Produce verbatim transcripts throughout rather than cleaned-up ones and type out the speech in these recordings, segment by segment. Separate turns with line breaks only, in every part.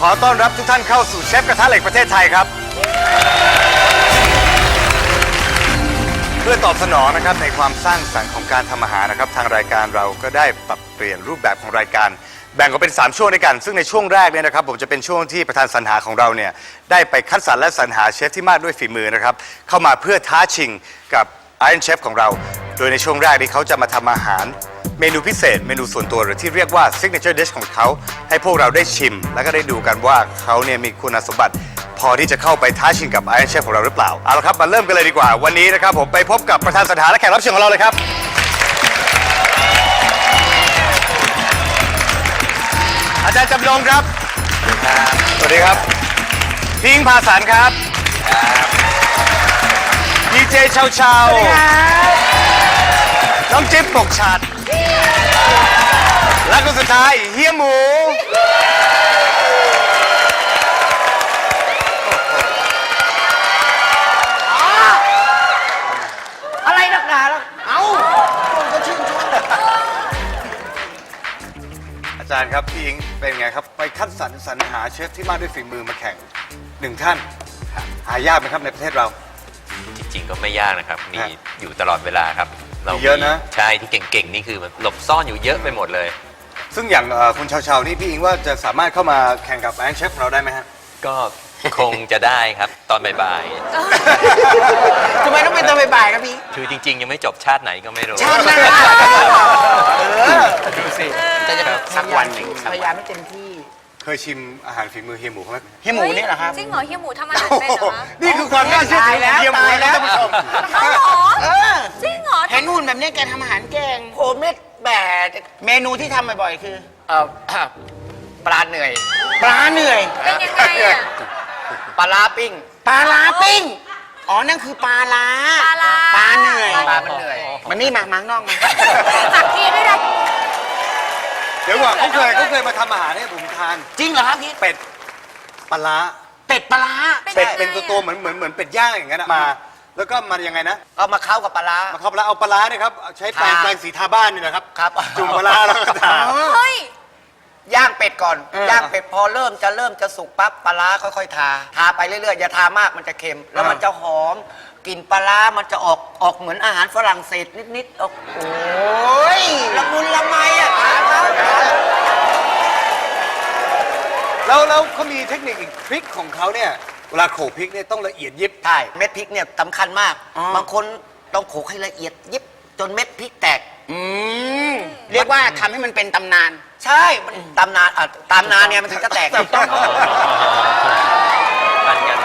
อต้อนรับทุกท่านเข้าสู่เชฟกระทะเหล็กประเทศไทยครับเพื่อตอบสนองนะครับในความสร้างสรรค์ของการทำอาหารนะครับทางรายการเราก็ได้ปรับเปลี่ยนรูปแบบของรายการแบ่งออกเป็นสามช่วงด้วยกันซึ่งในช่วงแรกเนี่ยนะครับผมจะเป็นช่วงที่ประธานสรรหาของเราเนี่ยได้ไปคัดสรรและสรรหาเชฟที่มากด้วยฝีมือนะครับเข้ามาเพื่อท้าชิงกับ Iron Chef ของเราโดยในช่วงแรกนี้เขาจะมาทำอาหารเมนูพิเศษเมนูส่วนตัวหรือที่เรียกว่า Signature Dish ของเขาให้พวกเราได้ชิมแล้วก็ได้ดูกันว่าเขาเนี่ยมีคุณสมบัติพอที่จะเข้าไปท้าชิงกับ Iron Chef ของเราหรือเปล่าเอาละครับมาเริ่มกันเลยดีกว่าวันนี้นะครับผมไปพบกับประธานสรรหาและแขกรับเชิญของเราเลยครับอาจารย์จำลองครับสวัสดีครับพิงค์ภาสันครับดีเจเชาเชาน้องจิ๊บปกฉัดและคนสุดท้ายเฮียหมู
อะไรนักหนาแล้วเอ้าคนก็ชื่นชม
อาจารย์ครับพี่อิงเป็นไงครับไปคัดสรรสรรหาเชฟที่มาด้วยฝีมือมาแข่งหนึ่งท่านหายากไหมครับในประเทศเรา
จริงๆก็ไม่ยากนะครับมีอยู่ตลอดเวลาครับ
เราเยอะนะ
ใช่ที่เก่งๆนี่คือหลบซ่อนอยู่เยอะไปหมดเลย
ซึ่งอย่างคุณชาวๆนี่พี่อิงว่าจะสามารถเข้ามาแข่งกับแองเชฟเราได้ไหมฮะ
ก็คงจะได้ครับตอนบ่าย
ทำไมต้องเป็นตอนบ่ายๆครับพี่
คือจริงๆยังไม่จบชาติไหนก็ไม่รู้
ชาติหน้า
ดูสิ
จะจะสักวันหนึ่งพยายามไม่เต็มที่
เคยชิมอาหารฝีมือเฮียหมูไหม
เฮียหมูนี่เหรอครับ
จริงเหรอเฮียหมูทำอาหารเป็นเหรอคะ
นี่คือความน่าเชื่อถือของเฮียหมูนะท่านผู้ชม
เขาเหรอจริงเหรอ
เห็นหุ่นแบบนี้แกทำอาหารเก่งผมเนี่ยแบบเมนูที่ทำบ่อยๆคือเอ่อปลาเหนื่อยปลาเหนื่อย
เป็นยังไงอะ
ปลาลาปิ้งปลาลาปิ้งอ๋อนั่นคือปลาลา
ปลาลา
ปลาเหนื่อยปลามันเหนื่อยมันนี่มามังนอกมา
ตักทีด้วยนะ
เดี๋ยวก่อนเขาเคยเขาเคยมาทำอาหารให้ผมทาน
จริงเหรอครับพี่
เป็ดปลา
เป็ดปลา
เป็ดเป็นตัวตัวเหมือนเหมือนเหมือนเป็ดย่างอย่างนั้นมาแล้วก็มันยังไงนะ
เอามาเข้ากับปลา
มาเข้าปลาเอาปลาเนี่ยครับใช้แปรงแปรงสีทาบ้านนี่นะครับ
ครับ
จุ่มปลาแล้วก็ทา
เฮ้ย
ย่างเป็ดก่อนย่างเป็ดพอเริ่มจะเริ่มจะสุกปั๊บปลาค่อยๆทาทาไปเรื่อยๆอย่าทามากมันจะเค็มแล้วมันจะหอมกลิ่นปลามันจะออกออกเหมือนอาหารฝรั่งเศสนิดๆออกโอ้ยละมุนละไมอ่ะ
แล้วแล้วเขามีเทคนิคอีกทริคของเขาเนี่ยเวลาโขลกพริกเนี่ยต้องละเอียดยิบ
ใช่เม็ดพริกเนี่ยสำคัญมากบางคนต้องโขลกให้ละเอียดยิบจนเม็ดพริกแตกอืมเรียกว่าทำให้มันเป็นตำนานใช่มันตำนานอ่ะตำนานเนี่ยมันถึงจะแตกต้อง
ปันกัน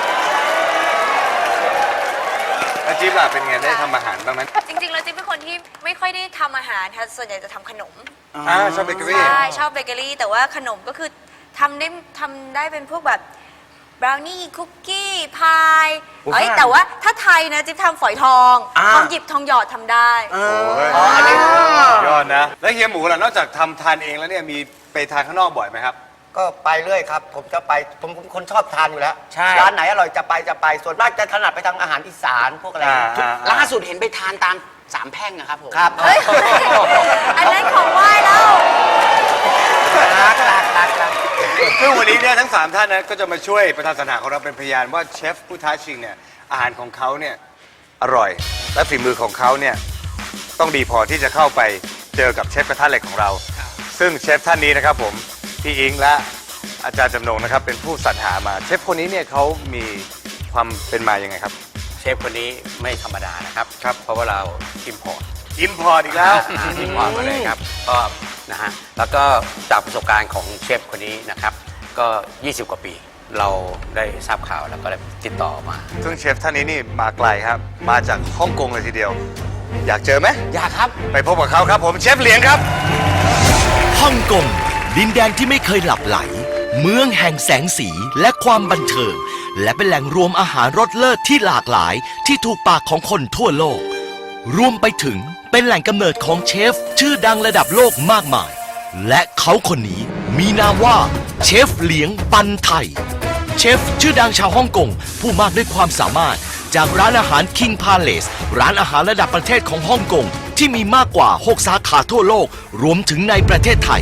แล้วจิ๊บล่ะเป็นไงได้ทำอาหารบ้างไหม
จริงๆแล้วจิ๊บเป็นคนที่ไม่ค่อยได้ทำอาหารค่ะส่วนใหญ่จะทำขนม
อ่าชอบเบเกอรี่
ใช่ชอบเบเกอรี่แต่ว่าขนมก็คือทำได้ทำได้เป็นพวกแบบบราวนี่คุกกี้พายเอ้ยแต่ว่าถ้าไทยนะจิ๊บทำฝอยทองทองหยิบทองหยอดทำได้
อ๋ออันนี้ยอดนะแล้วเฮียหมูล่ะนอกจากทำทานเองแล้วเนี่ยมีไปทานข้างนอกบ่อยไหมครับ
ก็ไปเรื่อยครับผมจะไปผมผมคนชอบทานอยู่แล้วร้านไหนอร่อยจะไปจะไปส่วนมากจะถนัดไปทางอาหารอีสานพวกอะไรล่าสุดเห็นไปทานตามสามแพร่งนะครับผมครับ
อันนั้นของไหว้แล้ว
รักรักรักรัก
ซึ่งวันนี้เนี่ยทั้งสามท่านนะก็จะมาช่วยประธานสรรหาของเราเป็นพยานว่าเชฟผู้ท้าชิงเนี่ยอาหารของเขาเนี่ยอร่อยและฝีมือของเขาเนี่ยต้องดีพอที่จะเข้าไปเจอกับเชฟกระทะเหล็กของเราซึ่งเชฟท่านนี้นะครับผมพี่อิงและอาจารย์จำนงนะครับเป็นผู้สรรหามาเชฟคนนี้เนี่ยเขามีความเป็นมาอย่างไงครับ
เชฟคนนี้ไม่ธรรมดานะครับครับเพราะว่าเราอิมพอร์ต
อิมพอร์ตอีกแล้ว
อิมพอร์ตมาเลยครับก็นะฮะแล้วก็จากประสบการณ์ของเชฟคนนี้นะครับก็ยี่สิบกว่าปีเราได้ทราบข่าวแล้วก็ได้ติดต่อมา
ซึ่งเชฟท่านนี้นี่มาไกลครับมาจากฮ่องกงเลยทีเดียวอยากเจอไหม
อยากครับ
ไปพบกับเขาครับผมเชฟเหลียงครับ
ฮ่องกงดินแดนที่ไม่เคยหลับไหลเมืองแห่งแสงสีและความบันเทิงและเป็นแหล่งรวมอาหารรสเลิศที่หลากหลายที่ถูกปากของคนทั่วโลกรวมไปถึงเป็นแหล่งกำเนิดของเชฟชื่อดังระดับโลกมากมายและเขาคนนี้มีนามว่าเชฟเหลียงปันไทเชฟชื่อดังชาวฮ่องกงผู้มากด้วยความสามารถจากร้านอาหาร King Palace ร้านอาหารระดับประเทศของฮ่องกงที่มีมากกว่าหกสาขาทั่วโลกรวมถึงในประเทศไทย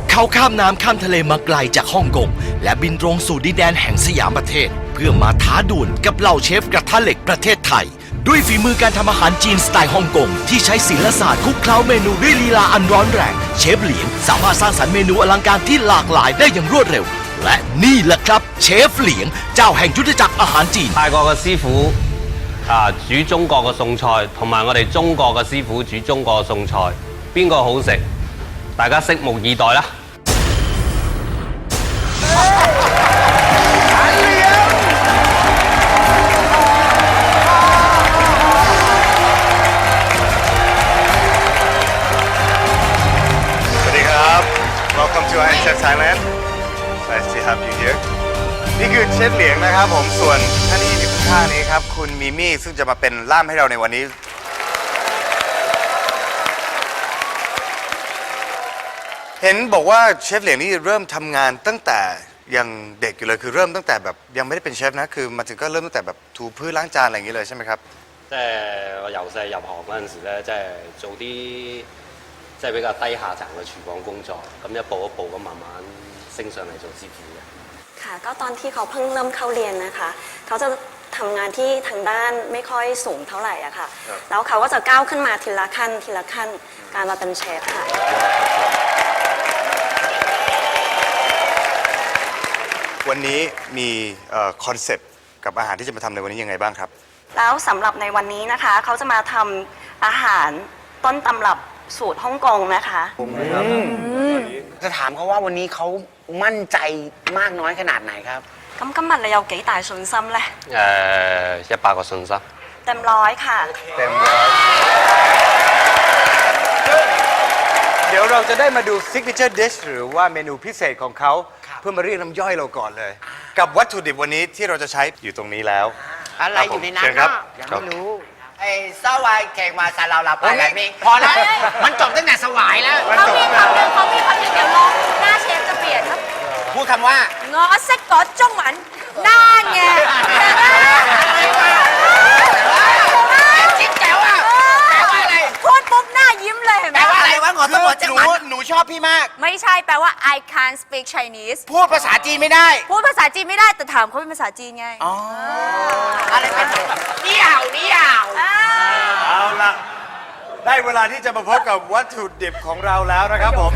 เขาข้ามน้ำข้ามทะเลมาไกลจากฮ่องกงและบินตรงสู่ดินแดนแห่งสยามประเทศ เพื่อมาท้าดวลกับเหล่าเชฟกระทะเหล็กประเทศไทย ด้วยฝีมือการทำอาหารจีนสไตล์ฮ่องกงที่ใช้ศิลปศาสตร์คลุกเคล้าเมนูด้วยลีลาอันร้อนแรงเชฟเหลียงสามารถสร้างสรรค์เมนูอลังการที่หลากหลายได้อย่างรวดเร็ว และนี่แหละครับเชฟเหลียงเจ้าแห่งยุทธจักรอาหารจีน
泰國嘅師傅啊煮中國嘅餸菜，同埋我哋中國嘅師傅煮中國嘅餸菜，邊個好食？大家拭目以待啦！
สวัสดีครับ Welcome to Iron Chef Thailand Nice to have you here นี่คือเชฟเหลียงนะครับผม ส่วนท่านที่อยู่ข้างๆนี้ครับ คุณมิมี่ซึ่งจะมาเป็นล่ามให้เราในวันนี้ เห็นบอกว่าเชฟเหลียงนี่เริ่มทำงานตั้งแต่ยังเด็กอยู่เลย คือเริ่มตั้งแต่แบบยังไม่ได้เป็นเชฟนะ คือมาถึงก็เริ่มตั้งแต่แบบถูพื้นล้างจานอะไรอย่างนี้เลยใช่ไหมครับ
即係我由細入行嗰陣時咧，即係做啲即係比較低下層嘅廚房工作，咁一步一步咁慢慢升上嚟做師傅嘅。
ค่ะก็ตอนที่เขาเพิ่งเริ่มเข้าเรียนนะคะ เขาจะทำงานที่ทางด้านไม่ค่อยสูงเท่าไหร่อะค่ะ แล้วเขาก็จะก้าวขึ้นมาทีละขั้นทีละขั้นการมาเป็นเชฟค่ะ
วันนี้มีคอนเซปต์กับอาหารที่จะมาทำในวันนี้ยังไงบ้างครับ
แล้วสำหรับในวันนี้นะคะ เขาจะมาทำอาหารต้นตำรับสูตรฮ่องกงนะคะ
จะถามเขาว่าวันนี้เขามั่นใจมากน้อยขนาดไหนครับ
咁今日你有幾大信心呢？
誒一百個信心。
เต็มร้อยค่ะ
เต็มร้อยเดี๋ยวเราจะได้มาดู signature dish หรือว่าเมนูพิเศษของเขา เพื่อมาเรียกน้ำย่อยเราก่อนเลย กับวัตถุดิบวันนี้ที่เราจะใช้อยู่ตรงนี้แล้ว
อะไรอยู่ในนั้น
เชิญครับ
ยังไม่รู้ไอ้สวายแขกมาซาลาลาไปอะไรมีพอแล้วมันจบตั้งแต่สวายแล้ว
เขามีคำหนึ่งเขามีคำหนึ่งเดี๋ยวลองหน้าเชฟจะเปลี่ยนครับ
พูดคำว่า
งอเซ็กกอจ้องหมันหน้าไง
จิ๊บแจ๋วอ่ะแปลว่าอะไร
พูดปุ๊บหน้ายิ้มเลยเห็นไห
แป
ม
ลว่าอะไรวะหงอสมบัติจังหวัดหนูชอบพี่มาก
ไม่ใช่แปลว่า I can't speak Chinese
พูดภาษาจีนไม่ได้
พูดภาษาจีนไม่ได้แต่ถามเขาเป็นภาษาจีนไง
อ๋อ อะไรเป็นแบบเดี่ยวเดี่ยว
เอาละได้เวลาที่จะมาพบกับวัตถุดิบของเราแล้วนะครับผม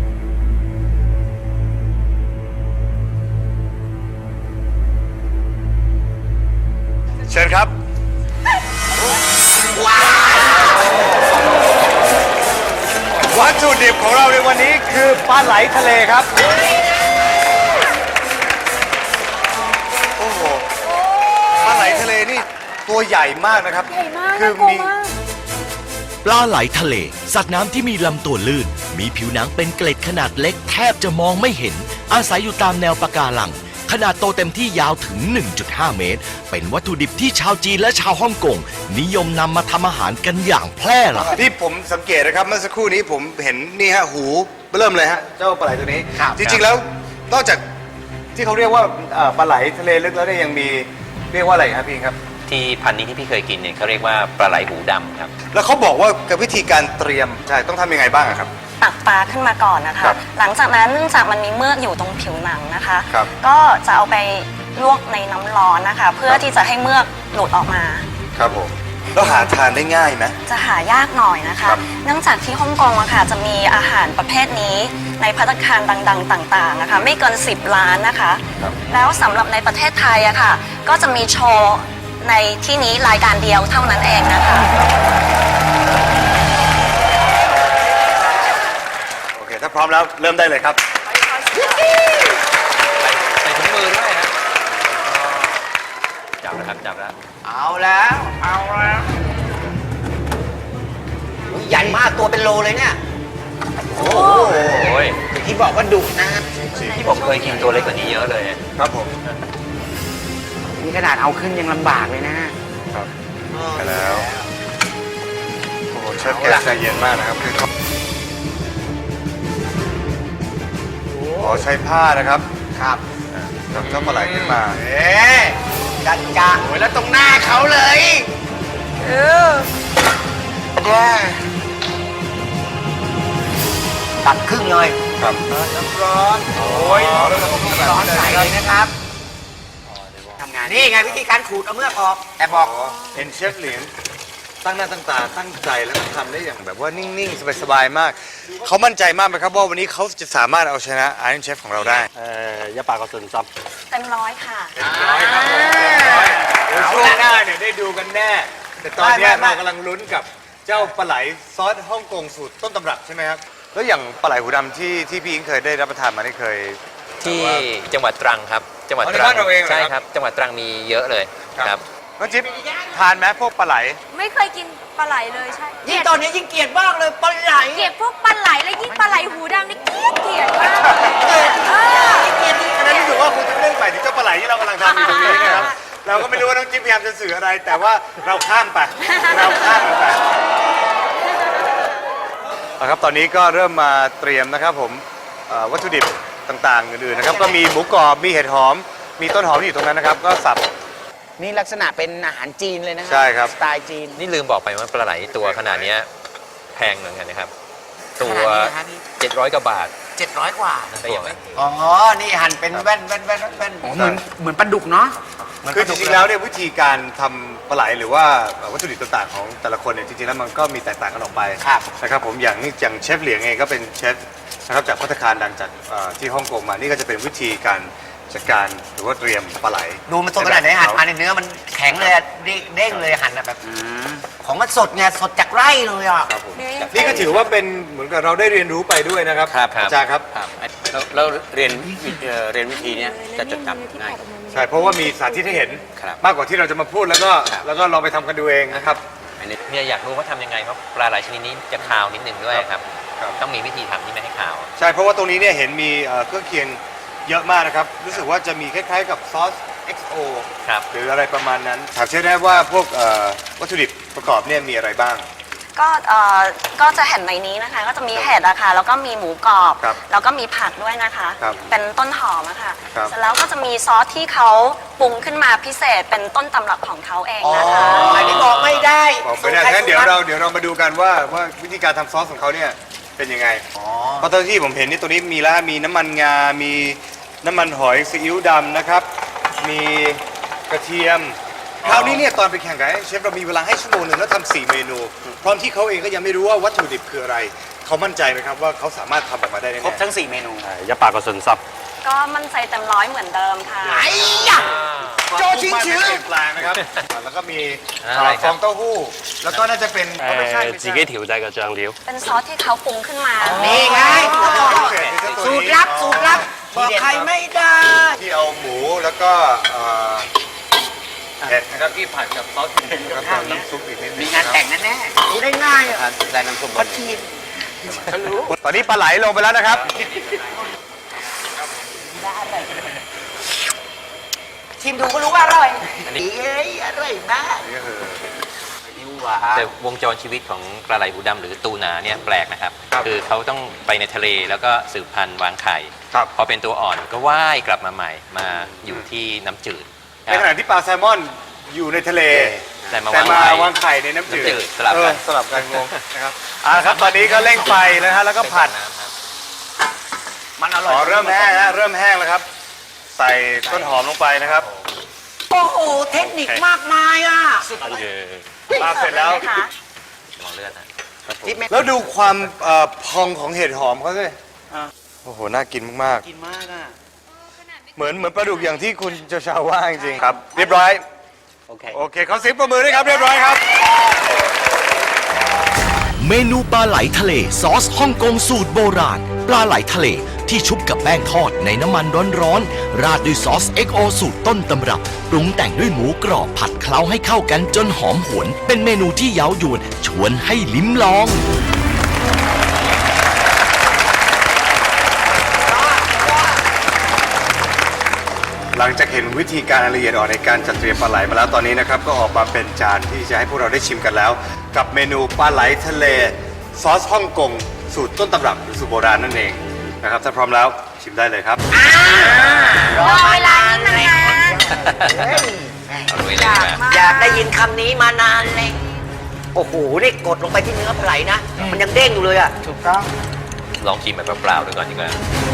เชิญครับ วัตถุดิบของเราในวันนี้คือปลาไหลทะเลครับ โอ้โห ปลาไหลทะเลนี่ตัวใหญ่มากนะครับ
ใหญ่มาก
คือ
น่ากลัว
มี
มาก
ปลาไหลทะเล สัตว์น้ำที่มีลำตัวลื่น มีผิวหนังเป็นเกล็ดขนาดเล็กแทบจะมองไม่เห็น อาศัยอยู่ตามแนวปะการัง ขนาดโตเต็มที่ยาวถึง หนึ่งจุดห้า เมตร เป็นวัตถุดิบที่ชาวจีนและชาวฮ่องกงนิยมนำมาทำอาหารกันอย่างแพร่หลาย
ที่ผมสังเกตนะครับเมื่อสักครู่นี้ผมเห็นนี่ฮะหูเริ่มเลยฮะเจ้าปลาไหลตัวนี้ จริงๆแล้วนอกจากที่เขาเรียกว่าเอ่อปลาไหลทะเลลึกแล้วเนี่ยยังมีเรียกว่าอะไรครับพี่ครับ
ที่พันธุ์นี้ที่พี่เคยกินเนี่ยเขาเรียกว่าปลาไหลหูดำครับ
แล้วเขาบอกว่ากับวิธีการเตรียมใช่ต้องทำยังไงบ้างอะครับ
ตักปลาขึ้นมาก่อนนะคะ
ครับ
หลังจากนั้นเนื่องจากมันมีเมือกอยู่ตรงผิวหนังนะคะ
ครับ
ก็จะเอาไปลวกในน้ำร้อนนะคะ เพื่อที่จะให้เมือกหลุดออกมา
ครับผมแล้วหาทานได้ง่ายไหม
จะหายากหน่อยนะคะ
ครับ
เนื่องจากที่ฮ่องกงอะค่ะจะมีอาหารประเภทนี้ในภัตตาคารดังๆ ต่างๆนะคะไม่เกินสิบล้านนะคะ แล้วสำหรับในประเทศไทยอะค่ะก็จะมีโชว์ในที่นี้รายการเดียวเท่านั้นเองนะคะ
โอเคถ้าพร้อมแล้วเริ่มได้เลยครับ
ใส่ถุงมือด้วยนะจับแล้วครับจับแล้ว
เอาแล้ว เอาแล้วอุ๊ยใหญ่มากตัวเป็นโลเลยเนี่ย
โอ้ย
ที่บอกว่าดุนะ
ที่ผมเคยกินตัวเล็กกว่านี้เยอะเลย
ครับผม
นี่ขนาดเอาขึ้นยังลำบากเลยนะ
ครับไปแล้วโอ้โหเชฟแกใจเย็นมากนะครับคือเขาอ๋อใช้ผ้านะครับ
ครับ
จับเจ้าปลาไหลขึ้นมา
เอ๊ะจัดจ้าโอ้ยแล้วตรงหน้าเขาเลยเออตัดครึ่งเลย
ครับน้ำร้อนโอ้ยแล้วก็
ร้อนใส่เลยนะครับทำงานนี่ไงวิธีการขูดเอาเมือกออกแต่บอก
เห็นเชฟเหลียงตั้งหน้าตั้งตาตั้งใจแล้วก็ทำได้อย่างแบบว่านิ่งๆสบายๆมากเขามั่นใจมากไหมครับว่าวันนี้เขาจะสามารถเอาชนะไอรอนเชฟของเราได้
誒一百個信心。
เต็มร้อยค่ะ
ร้อยครับผมร้อยเดี๋ยวช่วงหน้าเนี่ยได้ดูกันแน่ แต่ตอนเนี้ยเรากำลังลุ้นกับเจ้าปลาไหลซอสฮ่องกงสูตรต้นตำรับใช่ไหมครับแล้วอย่างปลาไหลหูดำที่ที่พี่อิงเคยได้รับประทานมาได้เคย
ที่จังหวัดตรังครับ จังหวัด
อ๋อใน
ตรั
บ้านเราเองเหรอครับ
ใช่ครับ จังหวัดตรังมีเยอะเลยครับ
น้องจิ๊บทานไหมพวกปลาไหล
ไม่เคยกินปลาไหลเลยใช่
ยิ่งตอนนี้ยิ่งเกลียดมากเลยปลาไหล
เกลียดพวกปลาไหลและยิ่งปลาไหลหูดำนี่เกลียดเกลียดมากเออเกลียด
อันนั้นรู้สึกว่าคุณจะเรื่องไปถึงเจ้าปลาไหลที่เรากำลังทำอยู่ตรงนี้นะครับ เราก็ไม่รู้ว่าน้องจิ๊บพยายามจะสื่ออะไร แต่ว่าเราข้ามไป เราข้ามมันไปเอาครับตอนนี้ก็เริ่มมาเตรียมนะครับผมเอ่อวัตถุดิบต่างๆอื่นๆนะครับ ก็มีหมูกรอบ มีเห็ดหอม มีต้นหอมที่อยู่ตรงนั้นนะครับ ก็สับ
นี่ลักษณะเป็นอาหารจีนเลยนะครั
ใช่ครับ
สไตล์จีน
นี่ลืมบอกไปว่าปลาไหลตัวขนาดเนี้ยแพงเหมือนกันนะครับ ตัว
ขนาดนี้นะครับพี่
เจ็ดร้อยกว่าบาท
เจ็ดร้อยกว่า
ได้ยังไง
อ๋อ นี่หั่นเป็นแว่นแว่นแว่นแว่นเหมือนเหมือนปลาดุกเนาะ
คือจริงๆแล้วเนี่ยวิธีการทำปลาไหลหรือว่าวัตถุดิบต่างๆของแต่ละคนเนี่ยจริงๆแล้วมันก็มีแตกต่างกันออกไป
ครับ
นะครับผมอย่างนี่อย่างเชฟเหลียงเองก็เป็นเชฟนะครับจากภัตตาคารดังจากเอ่อที่ฮ่องกงมานี่ก็จะเป็นวิธีการจัดการหรือว่าเตรียมปลาไหล
ดูมันสดขนาดไหนหั่นมาในเนื้อมันแข็งเลยอะเด้งเด้งเลยหั่นอะแบบของมันสดไงสดจากไร่เลยอ่ะ
ครับผมนี่ก็ถือว่าเป็นเหมือนกับเราได้เรียนรู้ไปด้วยนะครับ
ครับ
อาจารย์ครับ
ครับแล้วแล้วเรียนวิเอ่อเรียนวิธีเนี้ยจะจดจำง่าย
ใช่เพราะว่ามีสาธิตให้เห็น
ครับ
มากกว่าที่เราจะมาพูดแล้วก็
ครับ
แล้วก็ลองไปทำกันดูเองนะครับ
อันนี้
เนี่ยอยากรู้ว่าทำยังไงเพราะปลาไหลชนิดนี้จะคาวนิดนึงด้วยครับ
ครับ
ต้องมีวิธีทำที่ไม่ให้คาว
ใช่เพราะว่าตรงนี้เนี่ยเห็นมีเอ่อเครื่องเคียงเยอะมากนะครับรู้สึกว่าจะมีคล้ายๆกับซอส เอ็กซ์ โอ
ครับ
หรืออะไรประมาณนั้นถามเชฟได้ว่าพวกเอ่อวัตถุดิบประกอบเนี่ยมีอะไรบ้าง
ก็เอ่อก็จะเห็นในนี้นะคะ ก็จะมีเห็ดอะค่ะแล้วก็มีหมูกรอบ
ครับ
แล้วก็มีผักด้วยนะคะ
ครับ
เป็นต้นหอมอะค่ะ
ครับ
เสร็จแล้วก็จะมีซอสที่เขาปรุงขึ้นมาพิเศษเป็นต้นตำรับของเขาเอง
อ๋อ
นะคะ
อันนี้บอกไม่ได้
บอกไม่ได้งั้นเดี๋ยวเราเดี๋ยวเรามาดูกันว่าว่าวิธีการทำซอสของเขาเนี่ยเป็นยังไงเพราะตอนที่ผมเห็นนี่ตัวนี้มีแล้วมีน้ำมันงา มีน้ำมันหอยซีอิ๊วดำนะครับ มีกระเทียมคราวนี้เนี่ยตอนไปแข่งกับเชฟเรามีเวลาให้ชั่วโมงหนึ่งแล้วทำสี่เมนูพร้อมที่เขาเองก็ยังไม่รู้ว่าวัตถุดิบคืออะไร เขามั่นใจไหมครับว่าเขาสามารถทำออกมาได้แน่
ครบทั้งสี่เมนู
誒一百個信心。
ก็มั่นใจเต็มร้อยเหมือนเดิมค่ะ
ไอ้ยะ โจชิง
ไม่
ชื้อ
เปลี่ยนแปลงนะครับแล้วก็มี
อะไรครับ
ฟองเต้าหู้ แล้วก็น่าจะเป็นอ๋อไม่ใช่
誒
ไม่
自
ใช่
己調製嘅醬料。
เป็นซอสที่เขาปรุงขึ้นมา
นี่ไง สูตรลับ สูตรลับ บอกใครไม่ได้
ที่เอาหมูแล้วก็เอ่อเห็ดนะครับที่ผัดกับซอสเค็มแล้วก็น้ำซุปอีกนิดนึ
มี
ง
งานแต่งแน่ๆรู้ได้ง่ายอ่ะ
ได้น้ำส้ม
พอทีม
ตอนนี้ปลาไหลลงไปแล้วนะครับ
ชิมดูก็รู้ว่าอร่อยเอ้ยอร่อยมาก
นี่ก็คือ
นิ้วหวา
แต่วงจรชีวิตของปลาไหลหูดำหรือตูนาเนี่ยแปลกนะครับ คือเขาต้องไปในทะเลแล้วก็สืบพันธุ์วางไข่
ครับ
พอเป็นตัวอ่อนก็ว่ายกลับมาใหม่มาอยู่ที่น้ำจืด
ในขณะที่ปลาแซลมอนอยู่ในทะเล
แต่มา
แต่
วาง
มา
ไข่
วางไข่ในน้ำจืด
น้ำจืดสลับกัน
เออสลับกันงงนะครับอ่าครับตอนนี้ก็เร่งไฟแล้วฮะแล้วก็ผัด
น้ำครับ
มันอร่
อ๋
อ
อย เริ่มแห้งแล้วเริ่มแห้งแล้วครับ ใส่ต้นหอมลงไปนะครับ
โอ้โห เทคนิคมากมายอ่ะ
跟住
ปลาเสร็จแล้ว
สิร์ฟเลยไหมคะ
มองเลือดนะ
ที่ไม่
แล้วดูความเอ่อพองของเห็ดหอมเขาสิโอ้โห น่ากินมาก
กินมากอ่ะ
ๆ เหมือนเหมือนปลาดุกอย่างที่คุณเจ้าชาวว่าจริงๆครับ เรียบร้อย
โอเค
โอเคเขาสิบประมือด้วยครับ เรียบร้อยครับ
เมนูปลาไหลทะเลซอสฮ่องกงสูตรโบราณ ปลาไหลทะเลที่ชุบกับแป้งทอดในน้ำมันร้อนๆ ราดด้วยซอส เอ็กซ์ โอ สูตรต้นตำรับ ปรุงแต่งด้วยหมูกรอบผัดเคล้าให้เข้ากันจนหอมหวน เป็นเมนูที่เย้ายวนชวนให้ลิ้มลอง
หลังจากเห็นวิธีการละเอียดอ่อนในการจัดเตรียมปลาไหลมาแล้วตอนนี้นะครับ ก็ออกมาเป็นจานที่จะให้พวกเราได้ชิมกันแล้ว กับเมนูปลาไหลทะเลซอสฮ่องกงสูตรต้นตำรับหรือสูตรโบราณนั่นเองนะครับถ้าพร้อมแล้วชิมได้เลยครับ
รอเวลานี้มานาน
เอาไว้
อ
เลย
ยาก
ดีกว่า
อยากได้ยินคำนี้มานานเลย โอ้โห นี่กดลงไปที่เนื้อปลาไหลนะ มันยังเด้งอยู่เลยอ่ะ ถูกต้อง
ลองชิมแบบเปล่าๆดูก่อนดีกว่า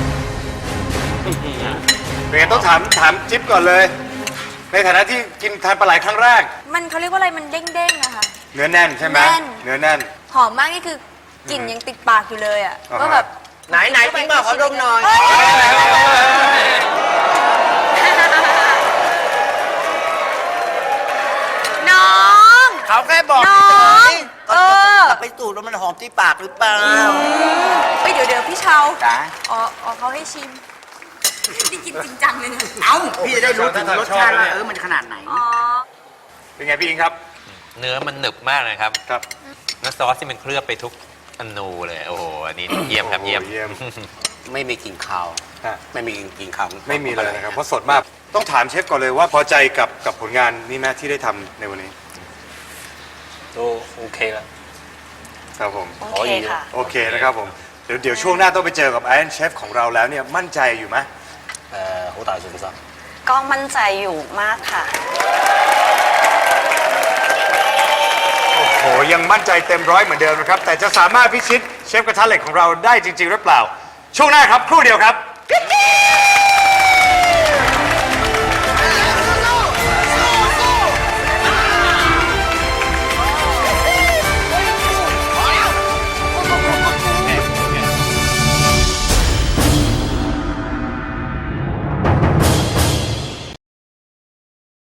เป็นไงต้องถามถามจิ๊บก่อนเลย ในฐานะที่กินทานปลาไหลครั้งแรก
มันเขาเรียกว่าอะไรมันเด้งๆอะค่ะ
เนื้อแน่นใช่ไหม
แน่น
เนื้อแน่น
หอมมากนี่คือกลิ่นยังติดปากอยู่เลยอะ
อ่าฮะ
ก็แบบ
ไหนไหนจริงเปล่าขอดมหน่อย
น้อง
เขาแค่บอก
น้อง
ก็
เออ
จะไปสูดแล้วมันหอมที่ปากหรือเปล่า
เฮ้ยเดี๋ยวเดี๋ยวพี่เชา
จ๋า
อ๋ออ๋อเขาให้ชิมนี่กินจริงจังเลยนะ
เอ้าพี่จะได้รู้ถึงรสชาติว่าเออมันขนาดไหน
อ๋อ
เป็นไงพี่อิงครับ
เนื้อมันหนึบมากเลยครับ
ครับ
น้ำซอสที่มันเคลือบไปทุกอนูเลย โอ้โห อันนี้เยี่ยมครับเยี่ยม
โอ้โหเยี่ยม
ไม่มีกลิ่นคาว
ฮะ
ไม่มีกลิ่นคาว
ไม่มีเลยนะครับ เพราะสดมาก ต้องถามเชฟก่อนเลยว่าพอใจกับกับผลงานนี้ไหมที่ได้ทำในวันนี้
都 OK 啦。
ครับผม
โอเคค่ะ
โอเคนะครับผม เดี๋ยวเดี๋ยวช่วงหน้าต้องไปเจอกับไอ o อนเชฟของเราแล้วเนี่ยมั่นใจอยู่ไหม
誒、好大信心。
ก็มั่นใจอยู่มากค่ะ
โอ้โห ยังมั่นใจเต็มร้อยเหมือนเดิมนะครับ แต่จะสามารถพิชิตเชฟกระทะเหล็กของเราได้จริง ๆ หรือเปล่า ช่วงหน้าครับ ครู่เดียวครับ